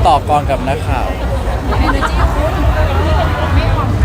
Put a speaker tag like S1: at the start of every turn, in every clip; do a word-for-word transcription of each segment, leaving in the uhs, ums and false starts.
S1: ต่อกรกับนักข่าว
S2: เอเนอร์จีคุณไม่อ่อนนะ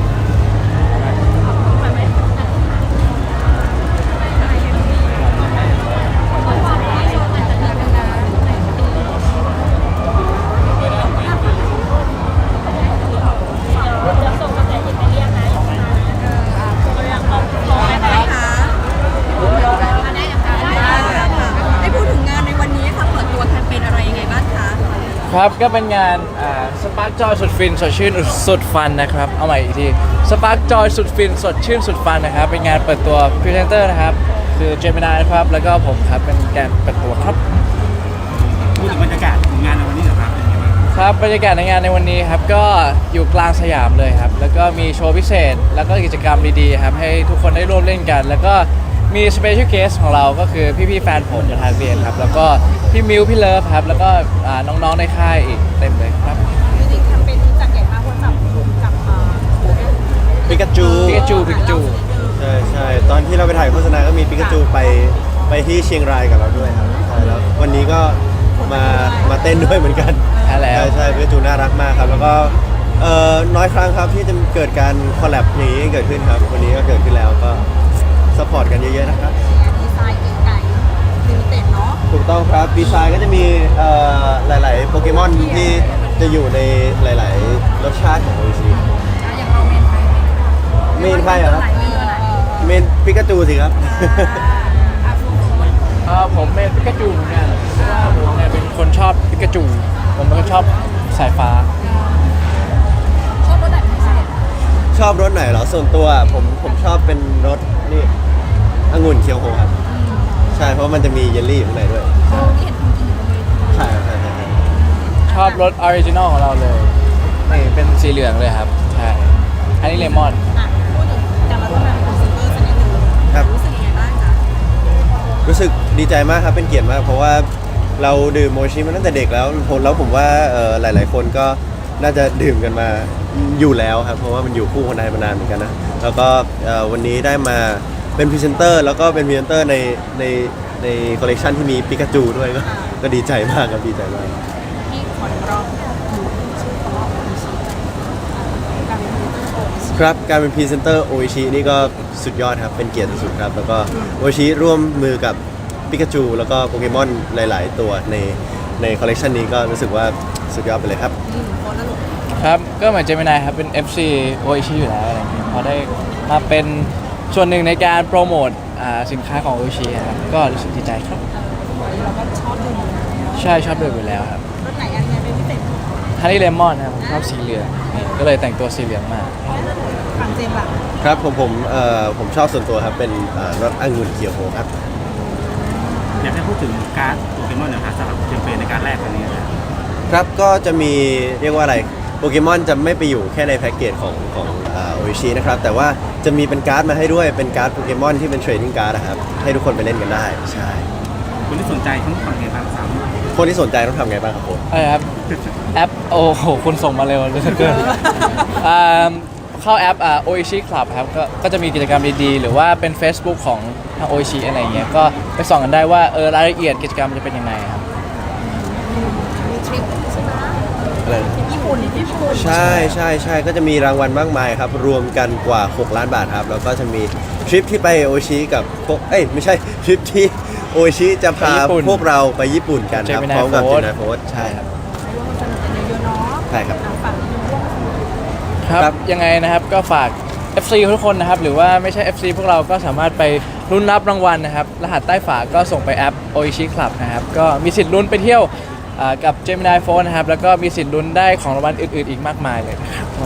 S3: ได้พูดถึงงานในวันนี้ค่ะเปิดตัวแคมเปญอะไรยังไงบ้างคะ
S1: ครับก็เป็นงานสปาร์กจอยสุดฟินสดชื่นสุดฟันนะครับเอาใหม่อีกทีสปาร์กจอยสุดฟินสดชื่นสุดฟันนะครับเป็นงานเปิดตัวพรีเซนเตอร์นะครับคือเจมินายนะครับแล้วก็ผมครับเป็นการเปิดตัวครับ
S4: พูดถึงบรรยากาศของงานในวันนี้เหรอครับเป็นยังไงบ้าง
S1: ครับบรรยากาศในงานในวันนี้ครับก็อยู่กลางสยามเลยครับแล้วก็มีโชว์พิเศษ แล้วก็กิจกรรมดีๆครับให้ทุกคนได้ร่วมเล่นกัน แล้วก็มีสเปเชียลเกสของเราก็คือพี่ๆแฟนผมจากทางเรียนครับแล้วก็พี่มิวพี่เลิฟครับแล้วก็อ่าน้องๆในค่ายอีกเต็มเลยครับ
S2: จริงๆแคมเปญนี้จัดใหญ่มากเพราะจับกลุ่มกับเอ่อ
S5: ปิกาจู
S1: ปิกาจูปิกาจู
S5: ใช่ใช่ตอนที่เราไปถ่ายโฆษณาก็มีปิกาจูไปไปที่เชียงรายกับเราด้วยครับใช่แล้ววันนี้ก็มามาเต้นด้วยเหมือนกัน
S1: ใช่แล้ว
S5: ใช่ใช่ปิกาจูน่ารักมากครับแล้วก็เอ่อน้อยครั้งครับที่จะเกิดการคอลแลบนี้เกิดขึ้นครับวันนี้ก็เกิดขึ้นแล้วก็สปอร์ตกันเยอะๆนะครับ
S2: ดีไซน์เก๋ไก่ลิมิเต็ดเนาะ
S5: ถูกต้องครับดีไซน์ก็จะมีเอ่อหลายๆโปเกมอนที่จะอยู่ในหลายๆรสชาติของโอชิ
S2: อย่างเราเมนไทย
S5: เมนใครเหรอครับ
S2: เมนอะไร
S5: เมนปิกาจูสิครับ
S2: อาฟูฟู
S1: เออผมเป็นปิกาจูเหมือนกันเพราะว่าผมเนี่ยเป็นคนชอบปิกาจูผมเป็นคนชอบสายฟ้า
S2: ชอบรถไหนเป็นพิเศษ
S5: ชอบรสไหนเหรอส่วนตัวผมผมชอบเป็นรสนี่องุ่นเคียวโฮครับใช่เพราะมันจะมีเยลลี่อยู่ข้างในด้วย
S2: โอ้ที่เห็นคุณกินอยู่บนเวที
S5: ใช่ครับใช่ใช่ใช่
S1: ชอบรสออริจินอลของเราเลยนี่เป็นสีเหลืองเลยครับใช่อันนี้เลมอน
S2: อ่ะพูดถึงการมาร่วมงานเป็นพรีเซนเตอร์สักนิดนึง
S5: ครับ
S2: รู้สึกยังไงบ้างคะ
S5: รู้สึกดีใจมากครับเป็นเกียรติมาก เพราะว่าเราดื่มโมชิมาตั้งแต่เด็กแล้วผมแล้วผมว่าเอ่อหลาย ๆ คนก็น่าจะดื่มกันมาอยู่แล้วครับเพราะว่ามันอยู่คู่คนไทยมานานเหมือนกันนะแล้วก็เอ่อวันนี้ได้มาเป็นพรีเซนเตอร์แล้วก็เป็นพรีเซนเตอร์ในในในคอลเลกชันที่มีปิกาจูด้วยก็ก็ดีใจมากครับดีใจมาก
S2: ที่ขอนร้องอยู่ชื่อของเราโอชิการเป็นพรีเซนเตอร์โอชิ
S5: ครับการเป็นพรีเซนเตอร์โอชินี่ก็สุดยอดครับเป็นเกียรติสุดๆครับแล้วก็โอชิร่วมมือกับปิกาจูแล้วก็โปเกมอนหลาย ๆ ตัวในในคอลเลกชันนี้ก็รู้สึกว่าสุดยอดไปเลยครับ
S2: อืมโคนละลูก
S1: ครับก็เหมือนเจมินายครับเป็น เอฟ ซี โออิชิอยู่แล้วอะไรอย่างเงี้ยพอได้มาเป็นส่วนหนึ่งในการโปรโมทอ่าสินค้าของโออิชิครับก็รู้สึกดีใจครับ
S2: เราก็ชอบดื่มอยู่แล้ว
S1: ใช่ชอบดื่มอยู่แล้วครับ
S2: รถไหนอันเนี้ยเป็นพิเศษ
S1: ฮันนี่เลมอนนะครับผมชอบสีเหลืองนี่ก็เลยแต่งตัวสีเหลืองมา
S2: ฝั่งเจมส์ล่ะ
S5: ครับผมผมเอ่อผมชอบส่วนตัวครับเป็นเอ่อรสองุ่นเคียวโฮครับ
S4: อยากให้พูดถึงการ์ดโปเกมอนหนะครับสำหรับแคมเปญในการแรกครั้งนี้นะครับ
S5: ครับก็จะมีเรียกว่าอะไรโปเกมอนจะไม่ไปอยู่แค่ในแพ็กเกจของของโออิชินะครับแต่ว่าจะมีเป็นการ์ดมาให้ด้วยเป็นการ์ดโปเกมอนที่เป็นเทรดดิ้งการ์ดนะครับให้ทุกคนไปเล่นกันได้ใช่
S4: คนที่สนใจต้องทำไงบ้างสาม
S5: คนที่สนใจต้องทำไงบ้างครับผม
S1: อะไรครับแอปโอ้โหคุณส่งมาเร็วเหลือเกินอ่าเข้าแอปอ่าโออิชิคลับครับก็ก็จะมีกิจกรรมดีๆหรือว่าเป็น Facebook ของทางโออิชิอะไรอย่างเงี้ยก็ไปส่องกันได้ว่าเออรายละเอียดกิจกรรมจะเป็นยังไงครับ
S2: มีทริปใช่ไหม
S5: อะไร
S2: ญี่ปุ่นญี่ปุ่น
S5: ใช่ใช่ใช่ก็จะมีรางวัลมากมายครับ รวมกันกว่า หก ล้านบาทครับ แล้วก็จะมีทริปที่ไปโอชิกับพวกเอ้ยไม่ใช่ทริปที่โอชิจะพา
S1: ไปญี่ปุ่น
S5: พวกเราไปญี่ปุ่นกันครับ
S1: Gemini
S5: พร้อมกับ
S1: Force
S5: เจมินาโฟสใช่ครับ
S2: ไปร่วมสนุกกันเยอะๆเนาะ
S5: ใช่ครับ
S2: ทางฝั่งนี้ร่วมสนุก
S1: ครับ
S5: ครับ
S1: ยังไงนะครับก็ฝาก เอฟ ซี ทุกคนนะครับหรือว่าไม่ใช่ เอฟ ซี พวกเราก็สามารถไปลุ้นรับรางวัลนะครับรหัสใต้ฝาก็ส่งไปแอป Oishi Club นะครับก็มีสิทธิ์ลุ้นไปเที่ยวอ่ากับ Gemini Phone นะครับแล้วก็มีสิทธิ์ลุ้นได้ของรางวัลอื่นๆอีกมากมายเลยนะครับผม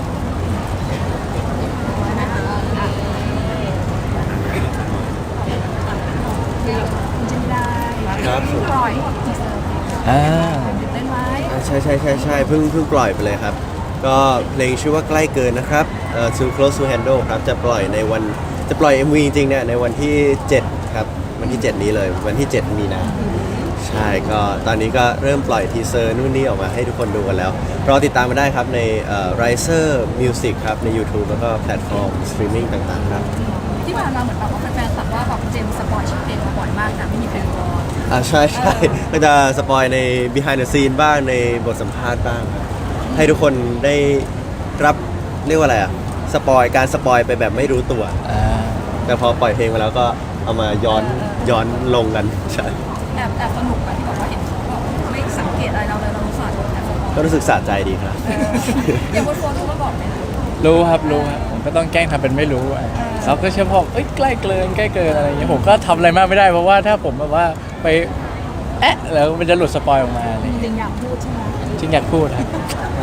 S2: คุณจินได้
S5: ครับ
S2: ปล่อยทีเซอร์
S1: อ่า
S2: ตื่นเต้นไหม
S5: อ่าใช่ใช่ใช่ใช่เพิ่งเพิ่งปล่อยไปเลยครับ ก็เพลงชื่อว่าใกล้เกินนะครับเอ่อ Too Close to Handle ครับจะปล่อยในวันจะปล่อย เอ็ม วี จริงๆเนี่ยในวันที่เจ็ดครับวันที่เจ็ดนี้เลยวันที่เจ็ดมีนาใช่ก็ตอนนี้ก็เริ่มปล่อยทีเซอร์นู่นนี่ออกมาให้ทุกคนดูกันแล้วรอติดตามมาได้ครับในเอ่อ Riser Music ครับใน YouTube แล้วก็แพลตฟอร์มสตรีมมิ่งต่างๆครับ
S2: ที่ผ่านมาเหมือนแบบว่าแฟนๆตัดว่าแบบเจมส์สปอยชื่อเพลงมาบ่อยมากแต่ไม่มีเพลงรอ
S5: อ่าใช่ใช่ก็จะสปอยใน behind the scene บ้างในบทสัมภาษณ์บ้างครับให้ทุกคนได้รับเรียกว่าอะไรอ่ะสปอยการสปอยไปแบบไม่รู้ตัว
S1: อ่า
S5: แต่พอปล่อยเพลงมาแล้วก็เอามาย้อนย้อนลงกันใช่
S3: แอบแอบสนุกอะที่บอกว่าเห็นเขาแบบไม่สังเกตอะไรเราเลยเรารู้สึกแอบสนุก
S5: ก็รู้สึกสะใจดีครับ
S3: อย่างบนโฟนรู้มาบอกไหมคะ
S1: รู้ครับรู้ครับผมก็ต้องแกล้งทำเป็นไม่รู้อ่ะเขาก็เชื่อพอเอ้ยใกล้เกินใกล้เกินอะไรอย่างเงี้ยผมก็ทำอะไรมากไม่ได้เพราะว่าถ้าผมแบบว่าไปแอะแล้วมันจะหลุดสปอยออกมาอะไรอย่าง
S2: จ
S1: เงี้ย
S2: ริงอยากพูดใช่ไหม
S1: จริงอยากพูดครับ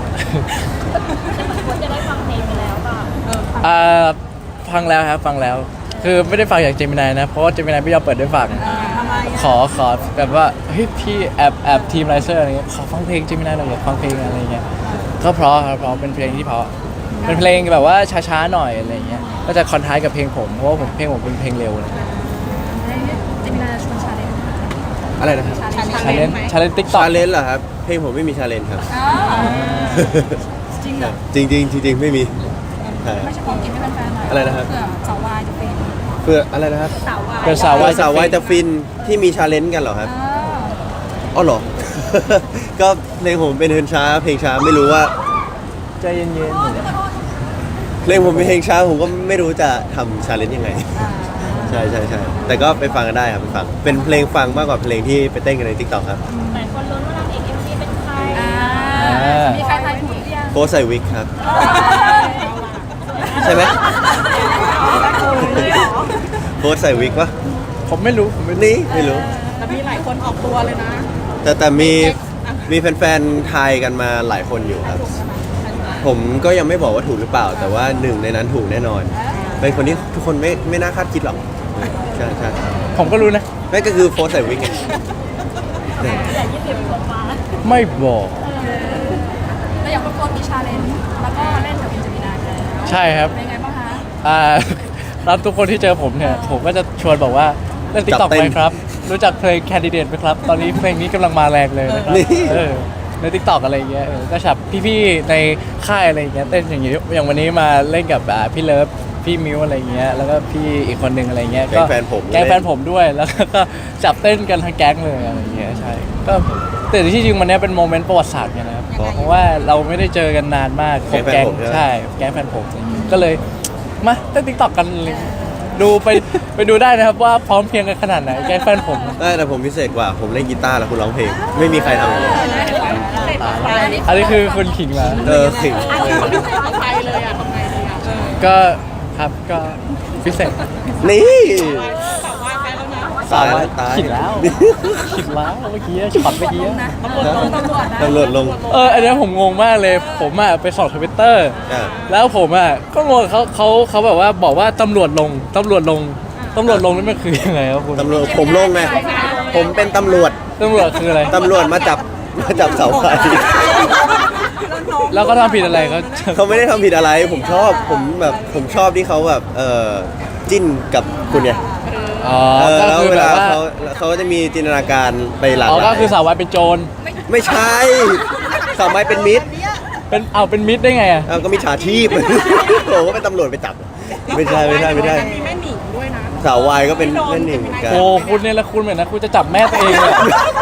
S2: ควรจะได้ฟังเพลงไปแล้วป่ะเออฟัง
S1: อ่าฟังแล้วครับฟังแล้ว คือไม่ได้ฟังอย่างเจมินายนะเพราะว่าเจมินายไม่ยอมเปิดด้วยฟัง
S2: ทำไม
S1: ขอขอแบบว่าเฮ้ยพี่แอบแอบทีมไลเซอร์อะไรเงี้ยขอฟังเพลงเจมินายหน่อยอยากฟังเพลงอะไรเงี้ยก็เพราะครับเพราะเป็นเพลงที่เพราะเป็นเพลงแบบว่าช้าๆหน่อยอะไรเงี้ยก็จะคอนทราสต์กับเพลงผมเพราะว่าผมเพลงผมเป็นเพลงเร็วเลย
S3: เจมินาชวนชาเลนจ์
S5: อะไรนะครับ
S1: ชาเลนจ์ชาเลนจ์ติ๊กต็อก
S5: ชาเลนจ์เหรอครับเพลงผมไม่มีชาเลนจ์ครับ
S3: จริงเหรอ
S5: จริงจริงๆจริงๆไม่มีใช่ค
S3: ไม่
S5: รับ
S3: ใช่ของกินให้แฟนๆหน่อย
S5: อะไรนะครับ
S3: เผื่อสาววายจะเป็น
S5: เพื่ออะไรนะครับ
S3: สาววาย
S1: เป็นสาว
S5: วา
S1: วาย ย
S5: สาววายจะฟินที่มีชาเลนจ์กันเหรอครับ
S3: อ่า
S5: อ๋อเหรอ ก็เพลงผมเป็นเพลงช้าเพลงช้าไม่รู้ว่า
S1: ใจเย็น
S5: เพลงผมเป็นเพลงช้าผมก็ไม่รู้จะทำชาเลนจ์ยังไง ใช่ใช่ใช่แต่ก็ไปฟังกันได้ครับไปฟังเป็นเพลงฟังมากกว่าเพลงที่ไปเต้นกันในทิกตอกครับ
S2: หลายคนลุ้นว่านางเอกเอ็มวีเป็นใคร
S3: อ่ามีใครทายถูกหรือยัง
S5: โพสใส่วิกครับ ใช่ไหมโพสใส่วิกปะ
S1: ๆผมไม่รู้ผมไม่รู้
S5: นี่ไม่รู้
S2: แต่มีหลายคนออกตัวเลยนะ
S5: แต่แต่มีมีแฟนๆทายกันมาหลายคนอยู่ครับ ผมก็ยังไม่บอกว่าถูกหรือเปล่า แต่ว่าหนึ่งในนั้นถูกแน่นอน เป็นคนที่ทุกคนไม่ไม่น่าคาดคิดหรอกใช่ใช่
S1: ผมก็รู้นะ
S5: ไม่ก็คือโพสใส่วิกไง
S2: แต่ยี่สิบกว่าฟ้า
S1: ไม่บอก
S3: แล้วอย่างบนโฟนมีชาเลนจ์แล้วก็เล่นกับเจมินาแล้ว
S1: ใช่ครับ
S3: เป็นไงบ้างคะ
S1: อ่า รับทุกคนที่เจอผมเนี่ย ผมก็จะชวนบอกว่าเล่นติ๊กต็อก
S5: จับเต้น
S1: ไหมครับ รู้จักเพลง Candidate ไหมครับ ตอนนี้เพลงนี้กำลังมาแรงเลยนะครับ
S5: นี่
S1: เออในติ๊กต็อกอะไรอย่างเงี้ยเออก็ฉับพี่ๆในค่ายอะไรอย่างเงี้ยเต้นอย่างเงี้ยอย่างวันนี้มาเล่นกับอ่าพี่เลิฟพี่มิวอะไรอย่างเงี้ยแล้วก็พี่อีกคนหนึ่งอะไรเงี้ย
S5: แก๊งแฟนผม
S1: แก๊งแฟนผมด้วยแล้วก็จับเต้นกันทั้งแก๊งเลยอะไรอย่างเงี้ยใช่ก็แต่ที่จริงวันเนี้ยเป็นโมเมนต์ประวัติศาสตร์ไงนะครับเพราะว่าเราไม่ได้เจอกันนานมากครบแก๊งใช่แก๊งแฟนผมอะไรอย่างเงี้ยก็เลยมาเต้นติ๊กต็อกกันเลยดูไปไปดูได้นะครับว่าพร้อมเพรียงกันขนาดไหนแก๊งแฟนผม
S5: ได้แต่ผมพิเศษกว่าผมเล่นกีตาร์แล้วคุณร้องเพลง ไม่มีใครทำอย่างนี้
S1: อันนี้คือคุณขิงมา
S5: เออขิง
S2: ใครเลยอ่ะทำไงดีอ่ะ
S1: ก็ครับก็พิเศษ
S5: นี่
S2: สาววายไปแล้วนะ
S5: ตายแล้วตาย
S1: ขิงแล้วขิงแล้วเมื่อกี้ช็อตเมื่อกี้
S3: นะตำรวจลงตำรวจนะ
S5: ตำรวจลง
S1: เอออันเนี้ยผมงงมากเลย ผมอ่ะไปส่องทวิตเตอร์
S5: อ่า
S1: แล้วผมอ่ะก็งงเขาเขาเขาแบบว่าบอกว่าตำรวจลงตำรวจลงตำรวจลงนี่มันคือยังไงครับคุณ
S5: ตำรวจผมลงไงผมเป็นตำรวจ
S1: ตำรวจคืออะไร
S5: ตำรวจมาจับมาจับเสาไฟ
S1: แล้วก็ทำผิดอะไรเขา
S5: เขาไม่ได้ทำผิดอะไร ผมชอบผมแบบผมชอบที่เขาแบบเออจิ้นกับคุณเนี่ย
S1: อ๋อ
S5: เออ
S1: ก็
S5: แล้ว
S1: คือ
S5: เว
S1: แบ
S5: ลา
S1: บว่า
S5: เขาเขาจะมีจินตนาการไปหลาก
S1: อ๋อ
S5: หลาย
S1: ก็คือสาววายเป็นโจร
S5: ไม่ใช่สาวไม้เป็นมิตร
S1: เป็นเอาเป็นมิดได้ไงอ่ะ
S5: เอาก็มีฉาชีพ โอ้ก็เป็นตำรวจไปจับ ไม่ใช่ไม่ใช่ไม่ใช่
S2: มีแม่หนิงด้วยนะ
S5: สาววายก็เป็นเล่นหนึ่งเหมือนกัน
S1: โอ้คุณเนี่ยละคุณเหมือนนะคุณจะจับแม่ตัวเองเลย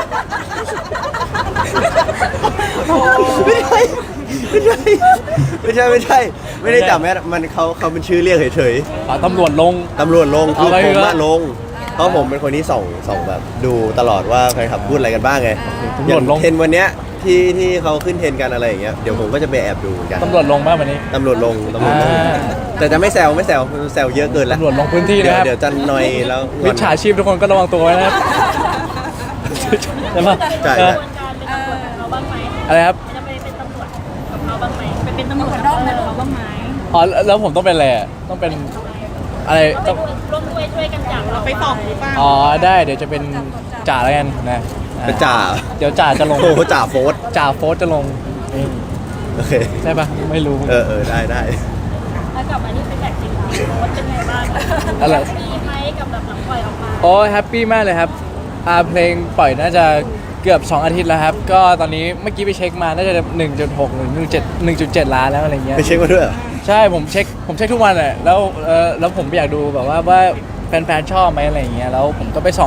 S5: ไม่ใช่ไม่ใช่ไม่ใช่ไม่ใช่ ไม่ได้จับแม่มันเขาเขาเป็นชื่อเรียกเฉย
S1: อ๋อตำรวจลง
S5: ๆตำรวจลงคือ
S1: เอาไว้
S5: ผม
S1: เถ
S5: มา
S1: อะ
S5: ลง เพราะผมเป็นคนที่ส่องส่องแบบดูตลอดว่าแฟนคลับพูดอะไรกันบ้างไง
S1: ตำ
S5: อ
S1: รว
S5: ย่า
S1: จ
S5: ง
S1: ลง
S5: เทรนด์วันเนี้ยที่ที่เขาขึ้นเทรนด์กันอะไรอย่างเงี้ยเดี๋ยวผมก็จะไปแอบดูเหมือนกัน
S1: ตำรวจลงบ้างวันนี้
S5: ตำรวจลงตำรวจลง
S1: อ่า
S5: แต่จะไม่แซวไม่แซวแซวเยอะเกินแล้ว
S1: ตำรวจลงพื้นที่
S5: เดี๋
S1: นะ
S5: ยว
S1: ครับ
S5: เดี๋ยวจะนอยแล้วง
S1: มิ
S5: อ
S1: จ
S5: น
S1: ฉาชีพทุกคนก็ระวังตัวไว้นะครับใช่ปะ
S5: ใช่
S1: เออ
S2: การเป็นตำรวจกับเขาบ้างไหม
S1: อะไรครับ
S2: จะไปเป็นตำรวจกับเขาบ้างไหมไปเป็นตำรวจกับเขาบ้างไหม
S1: อ๋อแล้วผมต้องเป็นอะไรอะต้องเป็นอะไรต้อง
S2: ร่วมด้วยช่วยกันจับเราไปตอบหรือเปล่า
S1: อ๋อได้เดี๋ยวจะเป็นจ่าแล้วกันนะอ่
S5: เป็นจ่า
S1: เดี๋ยวจ่าจะลง
S5: โอ้โหจ่าโฟส
S1: จ่าโฟสจะลงนี่
S5: โอเค
S1: ใช่ปะไม่รู้
S5: เออเออได้ได้
S2: แล้วกลับมาที่เป็นแบบจริงค่ะโค้ชเป็นไงบ้าง
S1: อะไร
S2: มีไหมกับแบบหลังปล่อยออกมา
S1: โอ้แฮปปี้มากเลยครับอ่าเพลงปล่อยน่าจะเกือบสองอาทิตย์แล้วครับ ก็ตอนนี้เมื่อกี้ไปเช็คมาน่าจะ หนึ่งจุดหก หรือ หนึ่งจุดเจ็ด หนึ่งจุดเจ็ด ล้านแล้วอะไรเงี้ย
S5: ไปเช็คมาด้วยเหรอ
S1: ใช่ผมเช็คผมเช็คทุกวันแหละแล้วเออแล้วผมอยากดูแบบว่าว่าแฟนๆชอบไหมอะไรอย่างเงี้ยแล้วผมก็ไปส่อง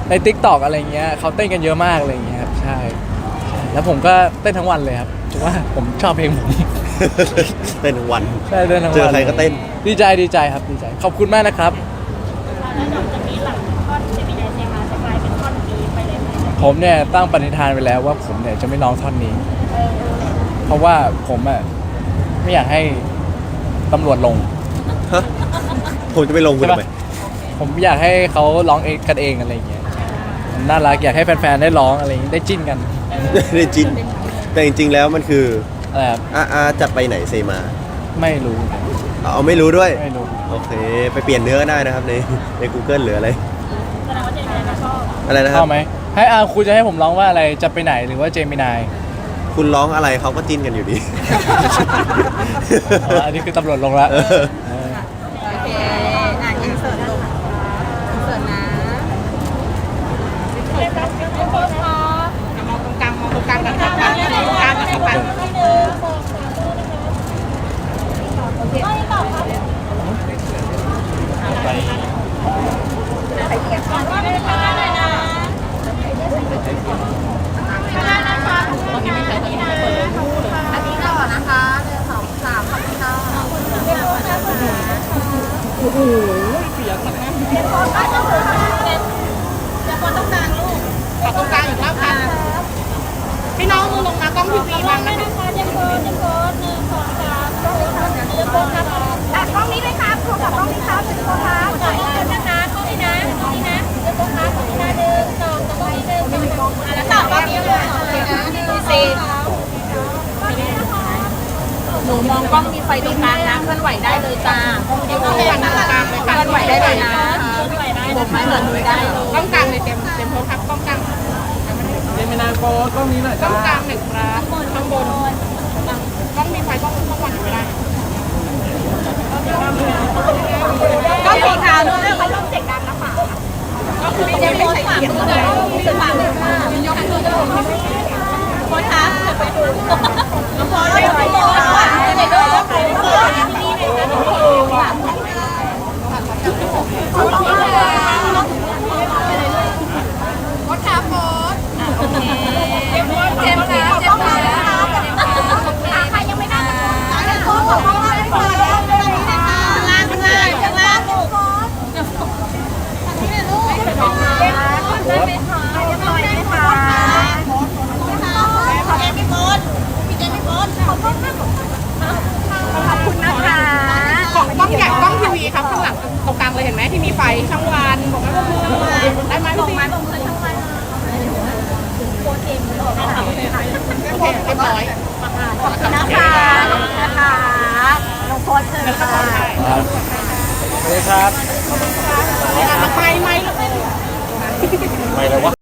S1: ใน ติ๊กต็อก อะไรเงี้ยเขาเต้นกันเยอะมากอะไรเงี้ยครับใช่ใช่แล้วผมก็เต้นทั้งวันเลยครับเพราะว่าผมชอบเพลงผม
S5: เต้นทั้งวัน
S1: ใช่เต้นทั้งวัน
S5: เจอใครก็เต้น
S1: ดีใจดีใจครับดีใจขอบคุณมากนะครับ
S2: แล้วหลังจากนี้หลังท่อนเจมินายเซฮาจะกลายเป็นท่อนนี้ไปเลยไหม
S1: ผมเนี่ยตั้งปณิธานไว้แล้วว่าผมเนี่ยจะไม่ร้องท่อนนี้ เพราะว่าผมอ่ะไม่อยากให้ตำรวจลง
S5: ฮะผมจะไปลงคุณทำไม
S1: ผมอยากให้เขาร้องเองกันเองอะไรอย่างเงี้ยมันน่ารักอยากให้แฟนๆได้ร้องอะไรอย่างเงี้ยได้จิ้นกัน
S5: ได้จินแต่จริงๆแล้วมันคือ
S1: อะไรครับ
S5: อาอาจะไปไหนเซมา
S1: ไม่รู้
S5: เอาไม่รู้ด้วย
S1: ไม่รู้
S5: โอเค ไปเปลี่ยนเนื้อก็ได้นะครับในใน Google หรืออะไร
S2: แสดงว่าเจมินายก็ชอบ
S5: อะไรนะค
S1: ช
S5: รั
S1: อบบ ไหมให้อาคุณจะให้ผมร้องว่าอะไรจะไปไหนหรือว่าเจมินาย
S5: คุณร้องอะไรเขาก็จิ้นกันอยู่ดี
S1: อ๋ออันนี้คือตำรวจลงแล้ว
S5: เออ
S1: เออ
S3: โอเคอ่ะอินเสิร์ตลงอินเสิร์ตนะ
S2: เรียบร้อยเรียบร้อยค่ะ
S3: มองตรงกลางมองตรงกลางกันครับมองตรงกลางกันครับ
S2: หนึ่งสองสามไม่ตอบครับไปขอว่าไม่ได้ข้างหน้าหน่อยนะข้างหน้านะคะข้างหน้าอันนี้นะอันนี้ต่อนะคะหนึ่งสองสามขอบคุณค่ะขอบคุณค่ะโอ้โหเสียงมันนะเสียงคนก็คือเสียงคนต้องการลูก
S3: ขอตรงกลางอีกรอบค่ะพี่น้องมือลงมากล้องทีวีบัง
S2: ไม่
S3: นะ
S2: นะคะยังโกนยังโกนหนึ่งสองสามยังโกนครับอ่ะกล้องนี้ด้วยครับโทรกับกล้องนี้ครับยังโกนครับขอบคุณนะคะกล้องนี้นะกล้องนี้นะยังโกนครับกล้องนี้นะหนึ่งสองกล้องนี้หนึ่งสองอ่ะแล้วต่อกล้องนี้เลยสี่
S3: หนูมองกล้องมีไฟตรงกลางนะเคลื่อนไหวได้เลยจ้าเคลื่อนไหวตรงกลางเลยค่ะเคลื่อนไหวได้เลยนะผมไม่เหมือนมือได้เลยกล้องกลางเลยเต็มเต็มโพสครับกล้องกลาง
S1: เจมินายโฟกล้องนี้หน่อย
S3: กล้
S1: จ้า
S3: องกลางหนึ่งครับข้างบนกล้องมีไฟกล้องกล้องวันอยู่ไม่ได้กล้องสีขาวด้วยเขาลงเสียงดังนะคะก็คือตรงนี้ไม่ใช่เสียงเลยสว่างเลยค่ะยกมือด้วยโค้ชคะไปดูน้องพลอยไปดูน้องพลอยไปดูน้องพลอยโค้ชคะโค้ชเจ็บเจ็บค่ะเจ็บค่ะใครยังไม่ได้โค้ชของเราเลยค่ะข้างล่างข้างล่างข้างล่างลูกนี่ลูกได้ไหมคะได้ไหมคะขอบคุณพี่โบ๊ทพี่เจมี่โบ๊ทขอบคุณมากขอบคุณนะคะของกล้องใหญ่กล้องทีวีครับข้างหลังตรงกลางเลยเห็นไหมที่มีไฟช่องวันบอกไหมว่าได้ไหมบอกไหมบอกเลยช่องวันโอเคเรียบร้อยขอบคุณนะคะขอบคุณนะคะน้องโค้ชเชิญค่ะ
S1: ครับสวัสดีครับ
S3: ไม่ไม่
S1: ไม่เลยวะ